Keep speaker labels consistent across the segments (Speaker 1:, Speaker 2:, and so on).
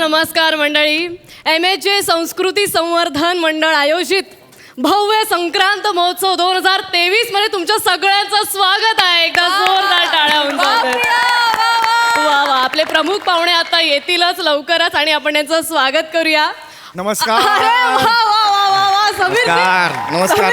Speaker 1: नमस्कार मंडळी. MHJ संस्कृती संवर्धन मंडळ आयोजित भव्य संक्रांत महोत्सव 2023 मध्ये तुमच्या सगळ्यांचं स्वागत आहे. एकदा जोरदार टाळ्या होऊन जातात. वा वा, आपले प्रमुख पाहुणे आता येतीलच लवकरच आणि आपण यांचं स्वागत करूया.
Speaker 2: नमस्कार.
Speaker 1: अरे वा वा वा वा वा, समीर
Speaker 2: नमस्कार.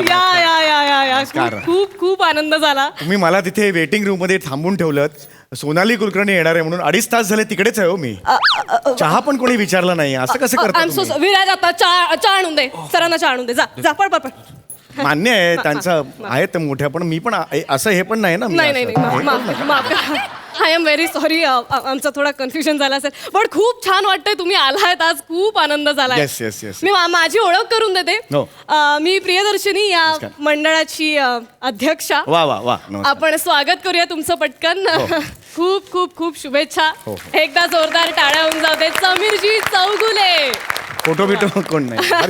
Speaker 1: या खूप खूप आनंद झाला.
Speaker 2: तुम्ही मला तिथे वेटिंग रूम मध्ये थांबून ठेवलं. सोनाली कुलकर्णी येणार आहे म्हणून 2.5 तास झाले तिकडेच आहे हो मी. चहा पण कोणी विचारला नाही. असं कसं करता?
Speaker 1: विराज आता चहा आणून दे, सरांना चहा आणून दे. जा जा, पळ पळ पळ.
Speaker 2: मान्य आहे त्यांचं आहे ते मोठ्या, पण मी पण असं हे पण नाही ना.
Speaker 1: नाही, आय एम व्हेरी सॉरी. आमचा थोडा कन्फ्युजन झाला असेल, पण खूप छान वाटतंय तुम्ही आलायत आज. खूप आनंद झाला.
Speaker 2: Yes yes yes.
Speaker 1: मी माझी ओळख करून देते.
Speaker 2: हो.
Speaker 1: मी प्रियदर्शिनी, या मंडळाची अध्यक्षा.
Speaker 2: वा वा वा.
Speaker 1: आपण स्वागत करूया तुमचं पटकन. खूप खूप खूप शुभेच्छा. एकदा जोरदार टाळ्या होऊन जाऊ दे. समीरजी चौगुले.
Speaker 2: फोटो बिटो कोण नाही.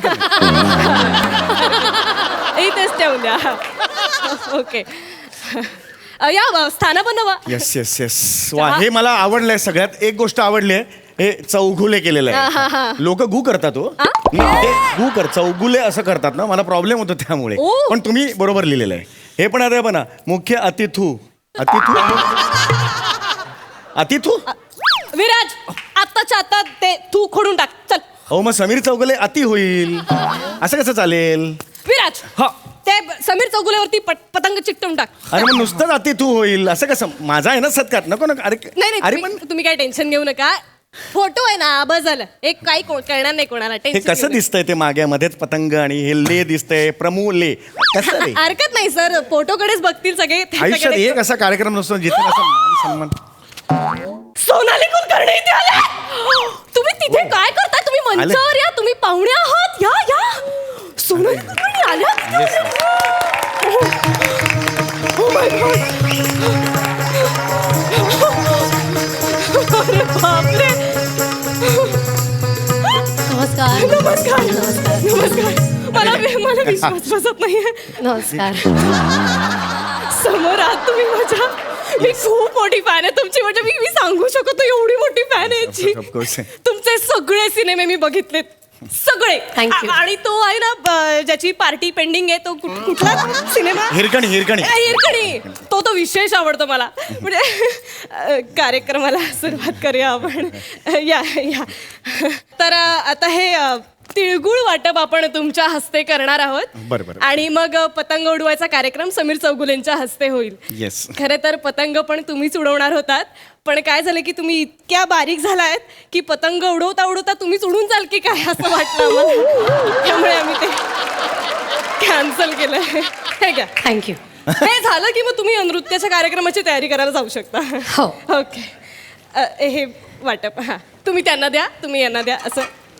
Speaker 1: इथेच ठेवून द्या. ओके, या स्थानापन्न व्हा.
Speaker 2: Yes yes yes. वा, हे मला आवडलंय. सगळ्यात एक गोष्ट आवडली आहे, हे चौगुले केलेलं आहे. लोक गु करतात हो. गु कर चौगुले असं करतात ना, मला प्रॉब्लेम होतो त्यामुळे. पण तुम्ही बरोबर लिहिलेलं आहे. हे पण आता पण मुख्य अतिथू. अतिथू
Speaker 1: विराज, आत्ताच्या आता ते तू खोडून टाक. चल.
Speaker 2: हो, मग समीर चौगुले अति होईल. असं कसं चालेल?
Speaker 1: विराज,
Speaker 2: हा,
Speaker 1: ते समीर चौगुलेवरती पतंग चिकटवून टाक.
Speaker 2: अरे मग नुसतंच अतिथू होईल असं कसं? माझा आहे ना सत्कार. नको नको. अरे
Speaker 1: नाही, तुम्ही काय टेन्शन घेऊ नका. फोटो आहे ना, बस झालं. एक काही कळणार नाही कोणाला.
Speaker 2: हे कसं दिसतंय ते मागे मध्येच पतंग आणि हे ले दिसतंय. प्रमूले कसं रे?
Speaker 1: हरकत नाही सर, फोटोकडेच बघतील सगळे.
Speaker 2: आयुष्यात एक असा कार्यक्रम नसतो जिथे असं मान सन्मान.
Speaker 1: सोनाली कुलकर्णी इथे आल्या. तुम्ही तिथे काय करताय? तुम्ही मंचावर या. तुम्ही पाहुणे आहात. या या. सोनाली कुलकर्णी आल्या. Oh my God. अरे बापरे.
Speaker 3: नमस्कार.
Speaker 1: नमस्कार. नमस्कार. मला विश्वास बसत नाहीये.
Speaker 3: नमस्कार.
Speaker 1: समोर आहात तुम्ही माझ्या. मी खूप मोठी फॅन आहे तुमची. म्हणजे मी सांगू शकतो एवढी मोठी फॅन आहे याची. तुमचे सगळे सिनेमे मी बघितलेत, सगळे.
Speaker 3: Thank you.
Speaker 1: आणि तो आहे ना ज्याची पार्टी पेंडिंग आहे, तो कुठला सिनेमा? हिरकणी. तो विशेष आवडतो मला. म्हणजे कार्यक्रमाला सुरुवात करूया आपण. या या. तर आता हे तिळगुळ वाटप आपण तुमच्या हस्ते करणार आहोत.
Speaker 2: बरोबर.
Speaker 1: आणि मग पतंग उडवायचा कार्यक्रम समीर चौगुलेंच्या हस्ते होईल.
Speaker 2: येस.
Speaker 1: खरे तर पतंग पण तुम्हीच उडवणार होतात, पण काय झालं की तुम्ही इतक्या बारीक झालायत की पतंग उडवता उडवता तुम्हीच उडून जाल की काय असं वाटलं आम्हाला. त्यामुळे आम्ही ते कॅन्सल केलं. हे घ्या.
Speaker 3: थँक्यू.
Speaker 1: हे झालं की मग तुम्ही नृत्याच्या कार्यक्रमाची तयारी करायला जाऊ शकता.
Speaker 3: हो.
Speaker 1: ओके. हे वाटप. हां, तुम्ही त्यांना द्या, तुम्ही यांना द्या. असं.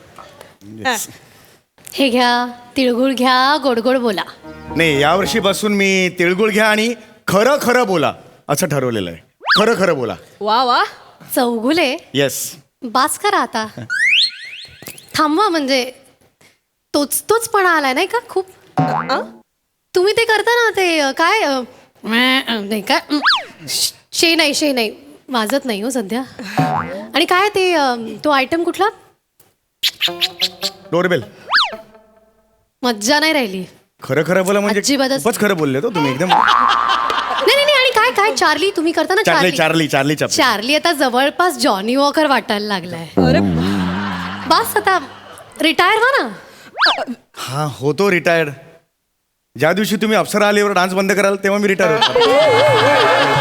Speaker 3: हे घ्या, तिळगुळ घ्या, गोड गोड बोला.
Speaker 2: नाही, यावर्षी बसून मी तिळगुळ घ्या आणि खरं खरं बोला असं ठरवलेलं आहे. खरं खरं बोला.
Speaker 1: वा वा.
Speaker 3: चौगुले.
Speaker 2: येस.
Speaker 3: बास करा आता. थांबवा. म्हणजे तोच पण आलाय नाही का खूप. तुम्ही ते करता ना ते काय नाही काय शे नाही वाजत नाही हो सध्या. आणि काय ते तो आयटम कुठला?
Speaker 2: डोरबेल.
Speaker 3: मज्जा नाही राहिली.
Speaker 2: खरं खरं बोला म्हणजे
Speaker 3: अजिबातच.
Speaker 2: खूपच खरं बोलले तो तुम्ही एकदम.
Speaker 3: नाही. आणि काय चार्ली तुम्ही करता ना? चार्ली आता जवळपास जॉनी वॉकर वाटायला लागलाय.
Speaker 1: अरे
Speaker 3: बस आता रिटायर व्हा ना.
Speaker 2: हा, होतो रिटायर्ड. ज्या दिवशी तुम्ही अप्सरा आलीवर डान्स बंद कराल तेव्हा मी रिटायर होतो.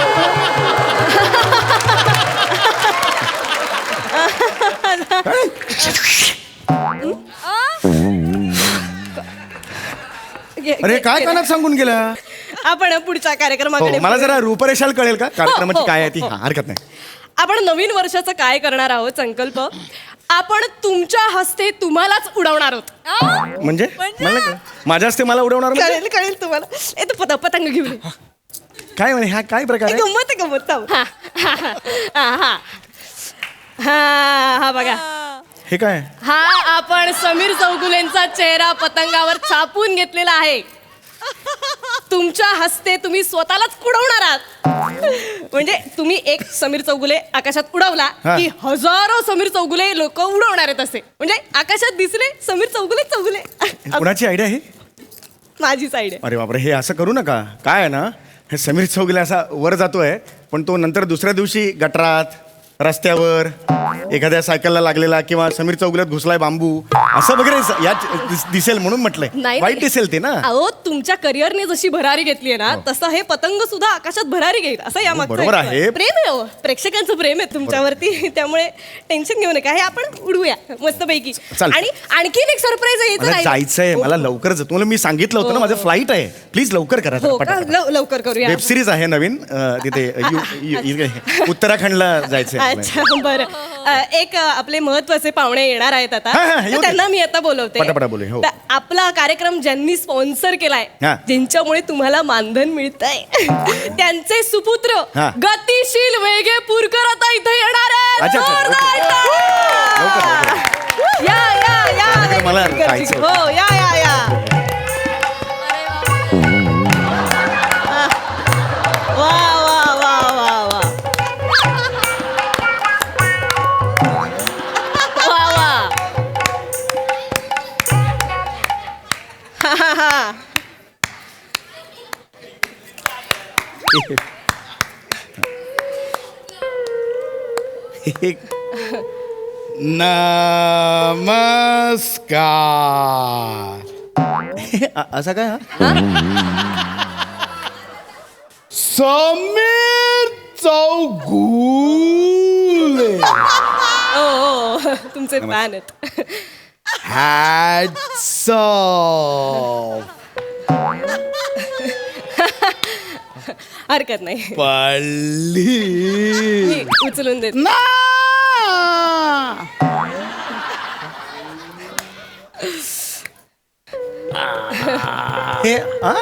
Speaker 2: अरे काय कानात सांगून गेला?
Speaker 1: आपण पुढच्या कार्यक्रमाकडे.
Speaker 2: मला जरा रूपरेषाल कळेल का कार्यक्रमाची काय आहे ती? हरकत नाही.
Speaker 1: आपण नवीन वर्षाचं काय करणार आहोत संकल्प आपण तुमच्या हस्ते तुम्हालाच उडवणार आहोत.
Speaker 2: म्हणजे माझ्या हस्ते मला उडवणार?
Speaker 1: कळेल तुम्हाला. येतो पतंग घेऊन.
Speaker 2: काय म्हणे? हा काय प्रकार आहे?
Speaker 1: गंमत. हा बघा.
Speaker 2: हे काय?
Speaker 1: हा आपण समीर चौगुलेंचा चेहरा पतंगावर छापून घेतलेला आहे. तुमच्या हस्ते तुम्ही स्वतःलाच उडवणार आहात. म्हणजे तुम्ही एक समीर चौगुले आकाशात उडवला
Speaker 2: हा.
Speaker 1: की हजारो समीर चौगुले लोक उडवणार आहेत असे. म्हणजे आकाशात दिसले समीर चौगुले चौगुले.
Speaker 2: कुणाची आयडिया आहे?
Speaker 1: माझी साईड आहे.
Speaker 2: अरे बापरे, हे असं करू नका. काय आहे ना, हे समीर चौगुले असा वर जातोय पण तो नंतर दुसऱ्या दिवशी गटरात, रस्त्यावर, एखाद्या सायकलला लागलेला किंवा समीर चौगुल्यात घुसलाय बांबू असं वगैरे यात दिसेल म्हणून म्हटलंय.
Speaker 1: नाही,
Speaker 2: वाईट दिसेल ते ना.
Speaker 1: अहो तुमच्या करिअरने जशी भरारी घेतली ना तसं हे पतंग सुद्धा आकाशात भरारी घेईल असं या मागचं
Speaker 2: बरोबर
Speaker 1: एक
Speaker 2: आहे.
Speaker 1: प्रेम आहे हो. प्रेक्षकांचं प्रेम आहे तुमच्यावरती. त्यामुळे टेन्शन घेऊ नका. हे आपण उडवूया मस्तपैकी.
Speaker 2: चालतंय.
Speaker 1: आणि आणखीन एक सरप्राईज आहे.
Speaker 2: मला जायचंय, मला लवकर तुम्हाला मी सांगितलं होतं ना माझं फ्लाईट आहे. प्लीज लवकर करा.
Speaker 1: हो का? लवकर करूया.
Speaker 2: वेब सिरीज आहे नवीन तिथे उत्तराखंडला जायचंय.
Speaker 1: अच्छा बरं. एक आपले महत्वाचे पाहुणे येणार आहेत आता.
Speaker 2: हा, येऊ
Speaker 1: तर
Speaker 2: दे.
Speaker 1: त्यांना मी आता बोलवते.
Speaker 2: पटापटा बोलूया, हो.
Speaker 1: तर आपला कार्यक्रम ज्यांनी स्पॉन्सर केलाय,
Speaker 2: हा.
Speaker 1: ज्यांच्यामुळे तुम्हाला मानधन मिळतंय त्यांचे सुपुत्र
Speaker 2: हा.
Speaker 1: गतिशील वेगेपूरकर आता इथे येणार आहेत.
Speaker 2: अच्छा, अच्छा,
Speaker 1: जोरदार
Speaker 2: ओके.
Speaker 1: टाळ्या!
Speaker 2: लवकर.
Speaker 1: या
Speaker 2: मला
Speaker 1: वेगेपूरकरजी.
Speaker 2: जायचं होतं.
Speaker 1: हो या वा वा वा वा वा वा वा. हा हा हा.
Speaker 4: नमस्कार.
Speaker 2: असं काय?
Speaker 4: समीर चौगुले.
Speaker 1: ओ तुमचे फॅन आहेत.
Speaker 4: Hats off.
Speaker 1: हरकत नाही.
Speaker 4: पल्ली
Speaker 1: मी उचलून देते.
Speaker 4: ना.
Speaker 2: हे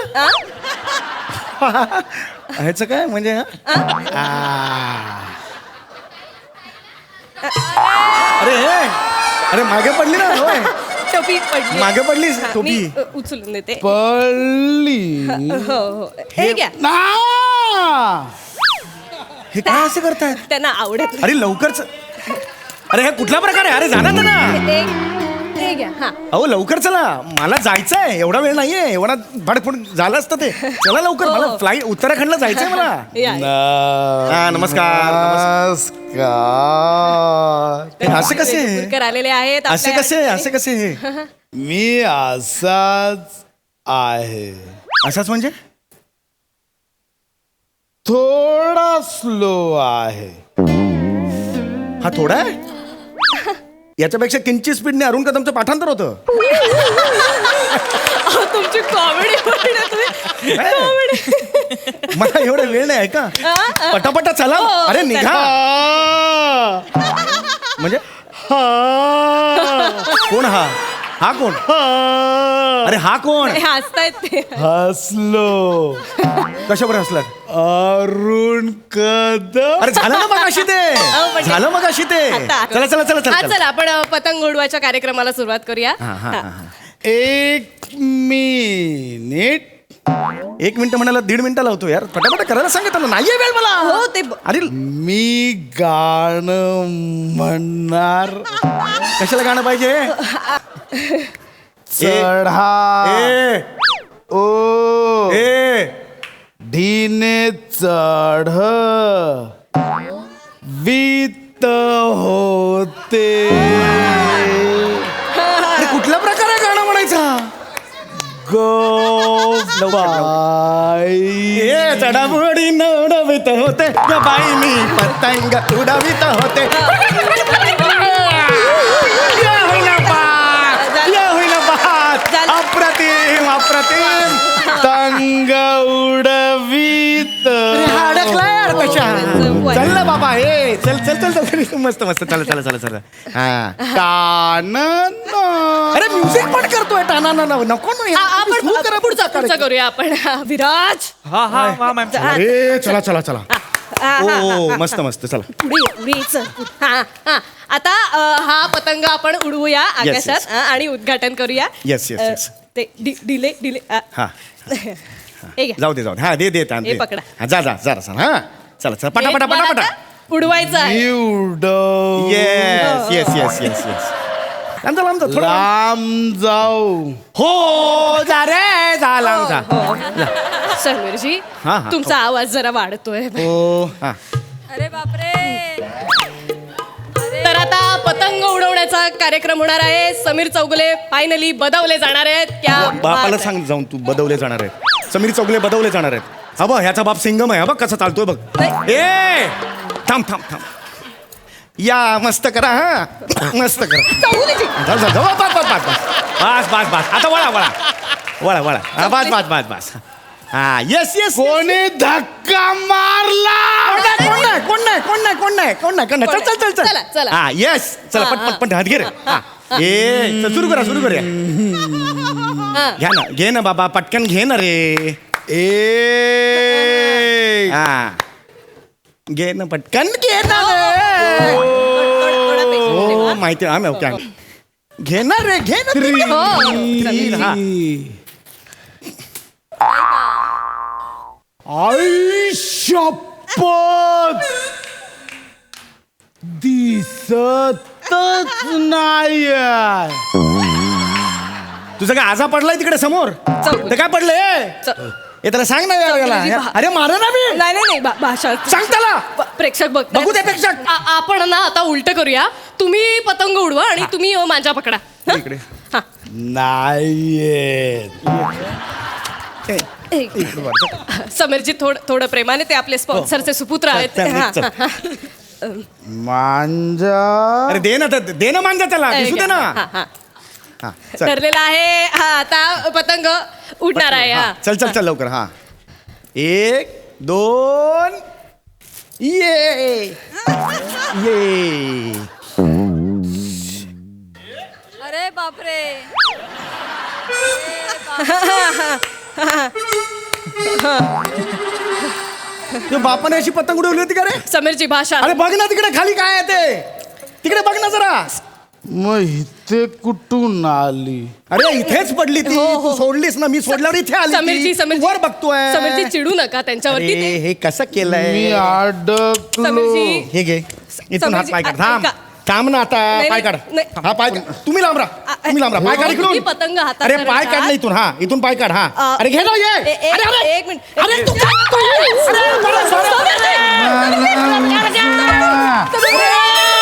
Speaker 2: ह्याचं काय म्हणजे अरे अरे मागे पडली ना. होय.
Speaker 1: टोपी पडली.
Speaker 2: मागे पडलीस
Speaker 1: हा,
Speaker 2: टोपी.
Speaker 1: मी उचलून देते.
Speaker 4: पल्ली
Speaker 1: हो हो हे घ्या.
Speaker 4: ना.
Speaker 2: हे काय असं करतायत?
Speaker 1: त्यांना आवडत
Speaker 2: अरे लवकरच. अरे हा कुठला प्रकार आहे? अरे जाणार ना.
Speaker 1: नाही. हे घ्या. हा
Speaker 2: अहो लवकर चला, मला जायचंय. एवढा वेळ नाहीये. एवढा भाडफोड झालं असतं ते. चला लवकर, मला फ्लाईट उत्तराखंडला जायचंय मला.
Speaker 1: या.
Speaker 2: हा नमस्कार.
Speaker 4: नमस्कार.
Speaker 2: हे असे कसे?
Speaker 1: वेगेपूरकर आलेले आहेत
Speaker 2: असे
Speaker 1: आपल्या
Speaker 2: कसे?
Speaker 1: या
Speaker 2: असे कसे? हे
Speaker 4: मी असाच आहे.
Speaker 2: असाच म्हणजे?
Speaker 4: थोडा स्लो आहे.
Speaker 2: हा थोडा आहे. याच्यापेक्षा किंचित स्पीडने अरुण कदमचं पाठांतर होतं.
Speaker 1: अहो, तुमची कॉमेडी
Speaker 2: मला एवढा वेळ नाही आहे का? पटापटा चला. अरे निघा. म्हणजे कोण हा? हा कोण? अरे हा कोण?
Speaker 1: हसतायत ते.
Speaker 4: हसलो.
Speaker 2: कशावर हसलात?
Speaker 4: अरुण कदम.
Speaker 2: अरे झालं ना मग अशी ते.
Speaker 1: पण-
Speaker 2: झालं मग अशी ते.
Speaker 1: आता.
Speaker 2: चला चला चला
Speaker 1: हा
Speaker 2: चला.
Speaker 1: चला आपण पतंग उडवायच्या कार्यक्रमाला सुरुवात करूया.
Speaker 2: हा, हा,
Speaker 1: हा.
Speaker 2: हा.
Speaker 4: 1 मिनिट.
Speaker 2: 1 मिनिट म्हणाला 1.5 मिनिटं लावतो यार. पटापटा करायला सांगितलं. नाहीये वेळ मला.
Speaker 1: हो ते
Speaker 2: अरे
Speaker 4: मी गाणं म्हणणार.
Speaker 2: कशाला गाणं पाहिजे?
Speaker 4: चढा
Speaker 2: ए
Speaker 4: ओ
Speaker 2: ए
Speaker 4: ढीने चढ वित होते.
Speaker 2: अरे कुठला प्रकार आहे गाणं म्हणायचा?
Speaker 4: गोबाई.
Speaker 2: ए चढाबोडी उडवित होते ग बाई मी पतंग उडवित होते. या होईना बात, या होईना बात.
Speaker 1: झालं.
Speaker 2: अप्रतिम अप्रतिम.
Speaker 4: तंग उडवीत.
Speaker 2: हा अडकला यार कशा.
Speaker 1: चल,
Speaker 2: चल ना बाबा. ए चल चल चल चल. मस्त मस्त. चला चला चला चला. हा
Speaker 4: कानन.
Speaker 2: अरे म्युझिक पण करतोय. टाना ना नको ना यार.
Speaker 1: आपण
Speaker 2: सुरू करा
Speaker 1: पुढचा करूया आपण. विराज.
Speaker 2: अरे चला चला चला. ओ मस्त मस्त. चला.
Speaker 1: पुढे चल. हा हा आता हा पतंग आपण उडवूया आकाशात आणि उद्घाटन करूया.
Speaker 2: Yes, yes, yes.
Speaker 1: ते डिले
Speaker 2: हा
Speaker 1: हे घ्या.
Speaker 2: जाऊ दे जाऊ दे. हा दे दे ताण
Speaker 1: हे
Speaker 2: दे.
Speaker 1: पकडा.
Speaker 2: हा जा जा जरा हा चला चला पटापटा
Speaker 1: मला
Speaker 2: पटापटा
Speaker 1: आता उडवायचं आहे
Speaker 4: उडव
Speaker 2: yes yes yes yes yes लांब जा, लांब जा, थोडं लांब.
Speaker 4: लांब जाऊ
Speaker 2: हो जा रे जा लांब जा
Speaker 1: समीरजी
Speaker 2: हा, हा.
Speaker 1: तुमचा आवाज जरा वाढतोय
Speaker 2: हो हा
Speaker 5: अरे बापरे
Speaker 1: तर आता पतंग उडवण्याचा कार्यक्रम होणार आहे. समीर चौगुले फायनली बदवले जाणार आहेत. क्या
Speaker 2: बापाला
Speaker 1: बात
Speaker 2: सांग जाऊन तू बदवले जाणार आहेत समीर चौगले बदवले जाणार आहेत हा बघ ह्याचा बाप सिंगम आहे हा बघ कसा चालतोय बघ
Speaker 1: नाही.
Speaker 2: ए थांब थांब थांब या मस्त करा हा मस्त करा
Speaker 1: आहे. चौगुलेजी.
Speaker 2: जाऊ, जाऊ, जाऊ. बस बस बस बस बस बस बस आता वळा वळा वळा वळा हा, बस बस बस बस हा येस येस
Speaker 4: कोणी धक्का मारला
Speaker 2: कोण नाही कोण नाही कोण नाही कोण नाही कोण नाही कोण नाही चल चल चल
Speaker 1: चला,
Speaker 2: चल
Speaker 1: चला.
Speaker 2: हा येस चला
Speaker 1: हा,
Speaker 2: पट पट पट हात घे रे हा ए चल, सुरू करा सुरू करूया
Speaker 1: हा.
Speaker 2: घ्या ना घे ना बाबा पटकन घे ना रे हा घे ना पटकन घे ना रे
Speaker 1: थोडं patient
Speaker 2: हो
Speaker 1: ठेवा.
Speaker 2: माहिती आहे ओके घे ना रे घे ना तू.
Speaker 1: हो.
Speaker 2: तीन, हा.
Speaker 4: शपथ दिसतच नाही
Speaker 2: तुझं काय आजा पडलाय तिकडे समोर
Speaker 1: चौगुले.
Speaker 2: ते काय पडलंय
Speaker 1: च-
Speaker 2: हे त्याला सांग ना यार
Speaker 1: चौगुलेजी,
Speaker 2: याला.
Speaker 1: भा-
Speaker 2: अरे मारा ना मी
Speaker 1: नाही नाही नाही भाषा
Speaker 2: सांग त्याला
Speaker 1: प्रेक्षक
Speaker 2: बघू दे प्रेक्षक.
Speaker 1: आपण ना आता उलट करूया. तुम्ही पतंग उडवा आणि तुम्ही मांजा पकडा. हं?
Speaker 2: इकडे
Speaker 1: हा.
Speaker 4: नाहीये
Speaker 1: एक. समीरजी थोडं प्रेमाने ते आपले स्पॉन्सरचे सुपुत्र आहेत.
Speaker 2: चल,
Speaker 1: हा,
Speaker 2: चल.
Speaker 1: हा, हा.
Speaker 4: मांजा
Speaker 2: अरे दे ना दे ना मांजा त्याला दिसू दे ना
Speaker 1: हा, हा.
Speaker 2: हा चल
Speaker 1: ठरलेला आहे. हा आता पतंग उडणार आहे.
Speaker 2: हा,
Speaker 1: हा.
Speaker 2: चल चल चल लवकर हा 1 2 ये ये
Speaker 5: अरे बापरे
Speaker 2: तुझ्या बापाने अशी पतंग उडवली होती का रे
Speaker 1: समीरजी भाषा
Speaker 2: अरे बघ ना तिकडे खाली काय आहे ते तिकडे बघ ना जरा
Speaker 4: मग इथे कुठून आली
Speaker 2: अरे इथेच पडली ती
Speaker 1: हो, हो.
Speaker 2: तू सोडलीस ना मी सोडल्यावर इथे आली
Speaker 1: समीरजी
Speaker 2: ती.
Speaker 1: समीरजी
Speaker 2: वर बघतोय
Speaker 1: समीरजी चिडू नका त्यांच्यावरती.
Speaker 2: अरे,
Speaker 1: ते
Speaker 2: हे कसं केलंय
Speaker 4: मी अडकलो
Speaker 1: समीरजी.
Speaker 2: हे घे इथून हात
Speaker 1: समीरजी,
Speaker 2: पाय काढ थांब
Speaker 1: ऐका.
Speaker 2: थांब ना आता
Speaker 1: नाही,
Speaker 2: पाय
Speaker 1: नाही,
Speaker 2: काढ
Speaker 1: नाही.
Speaker 2: हा पाय काढ. तुम्ही लांब राहा तुम्ही लांब राहा पाय काढ
Speaker 1: तुम्ही
Speaker 2: इकडून
Speaker 1: पतंग हातात
Speaker 2: अरे
Speaker 1: धरता.
Speaker 2: पाय काढ ना इथून हा इथून पाय काढ हा अरे घे ना ये
Speaker 1: ए-
Speaker 2: अरे अरे
Speaker 1: एक मिनिट.
Speaker 2: अरे तू काय करतोय? अरे, मला सोड.
Speaker 1: समीरजी!